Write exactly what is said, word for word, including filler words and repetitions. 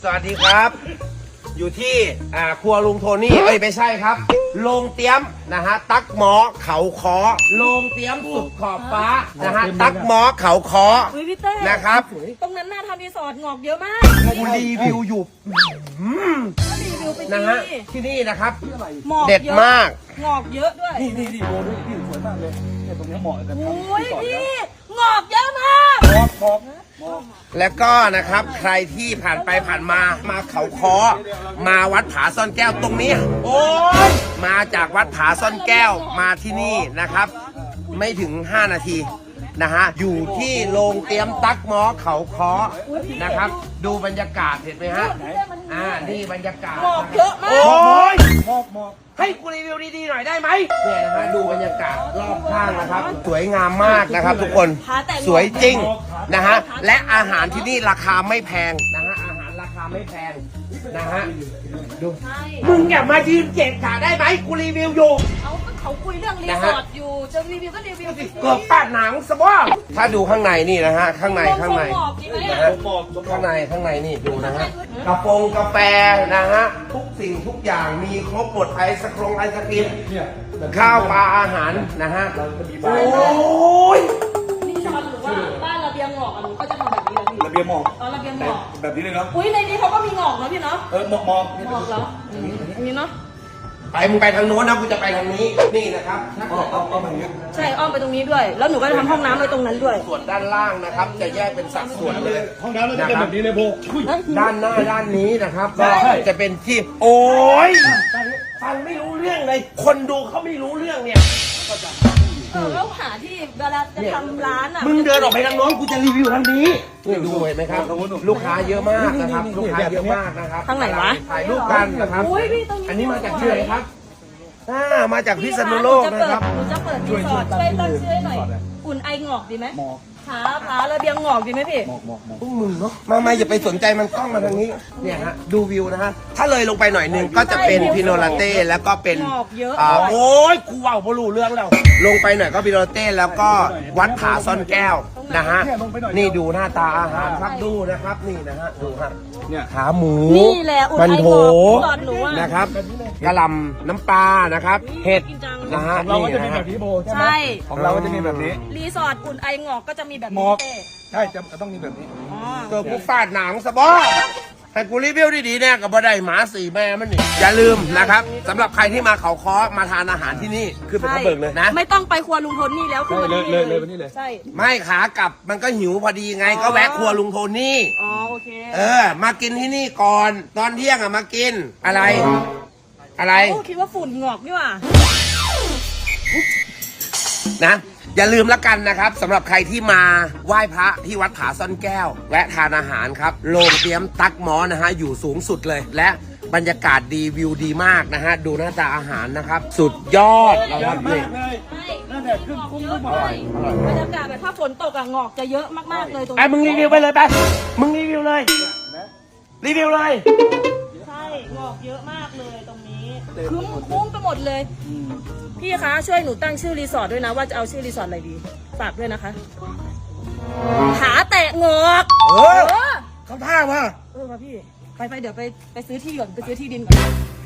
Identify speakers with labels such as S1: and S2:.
S1: สวัสดีครับอยู่ที่อ่าครัวลุงโทนี่เอ้ยไม่ใช่ครับโรงเตี้ยมนะฮะตักหมอเขาคอโรงเตี้ยมสุดขอบฟ้านะฮะตักหมอเขาคอ
S2: อุ๊ยพี่เต้
S1: นะครับ
S2: ตรงนั้นน่าทำรีสอร์ทงอกเยอะมาก
S1: กูรีวิวอยู่อืม
S2: ก็รีวิวไป
S1: นะ
S2: ที
S1: ฮะที่นี่นะครับ
S2: หมอก
S1: เด็ด
S2: ยอะ
S1: มาก
S2: งอกเยอะด้วย
S3: นี่นี่นี่โบด้วยพี่สวยมากเลยเนี่ยตรงนี้เหมาะกับ
S2: โอ้
S3: ทำ
S2: ย
S3: ที่ก่อน
S2: พี่งอกเยอะมาก
S3: หมอกหมอกหมอก
S1: แล้วก็นะครับใครที่ผ่านไปผ่านมามาเขาคอมาวัดผาซ่อนแก้วตรงนี้โอ้ยมาจากวัดผาซ่อนแก้วมาที่นี่นะครับ ไม่ถึงห้านาทีนะฮะอยู่ที่โรงเตรียมตักหมอเขาคอนะครับ ดูบรรยากาศเห็นไหมฮะอ่านี่บรรยากาศ
S2: งอกเยอะมาก
S1: โอ้ย
S3: หมอกหมอก
S1: ให้กูรีวิวดีๆหน่อยได้ไหมเนี่ยนะฮะดูบรรยากาศรอบข้างนะครับ สวยงามมากนะครับ ทุกคนสวยจริงนะฮะและอาหารที่นี่ราคาไม่แพงนะฮะอาหารราคาไม่แพงนะฮะดู
S2: ใช่
S1: มึงอย่ามายืนเจ็บขาได้ไหมกูรีวิวอยู่
S2: เอาก็เขาคุยเรื่องรีสอร์ทอยู่จะรีวิวก็รีวิวไปสิ
S1: เกือบปาดหนังสบอถ้าดูข้างในนี่นะฮะข้างในข้างใน
S2: งอกดีไหม
S1: นะ
S2: อะ
S1: ฮะ
S3: หมอกหมอก
S1: ข้างในข้างในนี่ดูนะฮะกระโปรงกาแฟนะฮะทุกสิ่งทุกอย่างมีครบหมดไอศครงไอศครีม
S3: เนี่ย
S1: ข้าวปลาอาหารนะฮะโอ้ย
S2: รีสอร์ทหรือว่าบ้านระเบียงงอกอะหนูก็จะทำแบบนี้เลยพี่
S3: ระเบียงหมอก
S2: อ๋อระเบียงง
S3: แต่
S2: อก
S3: แบบนี้เลยเนาะ
S2: อุ้ยในนี้เขาก็มีงอกเนาะพี่เนาะ
S3: เออหมอกหมอก
S2: งอกเหรออืมอันนี้เนาะ
S1: ไปมึงไปทางโน้นนะกูจะไปทางนี้นี่นะครับ
S3: เอาเอาเอาแบบนี้
S2: ใช่อ้อมไปตรงนี้ด้วย แล้วหนูก็จะทำห้องน้ำไว้ตรงนั้นด้วย
S1: ส่วนด้านล่างนะครับ จะแยกเป็นสัดส่วนเลย
S3: ห้องน้ำเราจะเป็นแบบนี้เลยโบอุ้ย
S1: ด้านหน้าด้านนี้นะครับ
S3: ใช่
S1: ก็จะเป็นที่โอ้ยฟังไม่รู้เรื่องเลย คนดูเขาไม่รู้เรื่องเนี่ย
S2: เออแล้วหาที่เวลาจะทำร้านอ่ะ
S1: มึงเดินออกไปทางโน้นกูจะรีวิวทางนี้นี่ดูเห็นไหมครับ ลูกค้าเยอะมากนะครับลูกค้าเยอะมากนะครับ
S2: ทางไหนวะ
S1: ถ่ายรูปกันนะครับ
S2: อุ้ยพี่ตรงนี้
S1: อันนี้มาจากที่ไหนครับอ่ามาจากพิษณุโลกนะครับ
S2: หนูจะเปิดรีสอร์ทช่วยตั้งชื่อให้หน่อย อุ่นไองอกดีไหม
S3: หมอก
S2: ขาขาระเบียงงอกดีไหมพี่
S3: หมอกหมอกหมอก
S1: พวกมึงเนาะมามาอย่าไปสนใจมันกล้องมาทางนี้เนี่ยฮะดูวิวนะฮะถ้าเลยลงไปหน่อยหนึงก็จะเป็นพิโนลาเต้แล้วก็เป็น
S2: งอกเยอะ
S1: อ่าโอ้ยกูเว่าบรูเรื่องแล้วลงไปหน่อยก็พิโนลาเต้แล้วก็วัดผาซ่อนแก้วนะฮะนี่ดูหน้าตาอาหารครับดูนะครับนี่นะฮะดูฮะ
S3: เนี่ย
S1: ขาหมู
S2: นี่แหละอุ่น
S1: มัน
S2: ไอ
S1: โถ
S2: งอกสอนหนูอ่ะ
S1: นะครับกะหล่ำน้ำปลานะครับเห็ดนะฮะ
S3: ของเราก็จะมี
S1: นะ
S3: แบ
S1: ฮะ
S3: บนี้โบใช่ไหม
S2: ใช่
S3: ของเราก็จะมีแบบนี้
S2: รีสอร์ทอุ่นไองอกก็จะมีแบบ
S3: หม
S2: นี้
S3: อก
S2: เต้
S3: ใช่จะต้องมีแบบนี้
S2: อ๋อ
S1: ตัวกูฟาดหนังสะบอให้กูรีวิวดีๆแน่กับบ่ได้หมาสี่แม่มันนี่อย่าลืมนะครับสำหรับใครที่มาเขาค้อมาทานอาหารที่นี่คือเป็นกระเบิกเลยนะ
S2: ไม่ต้องไปครัวลุงพลนี่แล้วคือวันนี้
S3: เลยเลยวันนี้เลย
S2: ใช่
S1: ไม่ขากลับมันก็หิวพอดีไงก็แวะครัวลุงโทนี่
S2: อ๋อโอเค
S1: เออ มากินที่นี่ก่อน ตอนเที่ยงอะมากินอะไร อะไร
S2: โอ้คิดว่าฝุ่นงอกนี่หว่า
S1: นะอย่าลืมละกันนะครับสำหรับใครที่มาไหว้พระที่วัดผาซ่อนแก้ว แวะทานอาหารครับโรงเตรียมตักหมอนะฮะอยู่สูงสุดเลย และบรรยากาศดีวิวดีมากนะฮะดูหน้าตาอาหารนะครับ สุดยอดนะ
S3: เย
S1: ครั
S3: อะ
S1: บ
S3: มา
S1: นี่
S3: กเลย
S2: ใช่
S3: นั่นแหละขึ้นกุ้ง
S2: เย
S3: กุ้
S2: อะ
S3: งหม
S2: เล
S3: อก
S2: ยบรรยากาศแบบถ้าฝนตกอะงอกจะเยอะมากๆเลยตรง
S1: ไอ้มึงรีวิวไปเลยไปมึงรีวิวเลย รีวิวเลย
S2: ใช่งอกเยอะมากเลยตรงนี้คุ้มคุ้มไปหมดเลย พี่คะช่วยหนูตั้งชื่อรีสอร์ทด้วยนะว่าจะเอาชื่อรีสอร์ทอะไรดีฝากด้วยนะคะขาแตะงอก
S1: เออ
S2: เออ
S1: เขาท่าว่า
S2: เออมาพี่ไปไปเดี๋ยวไปไปซื้อที่ก่อนไปซื้อที่ดินก่อน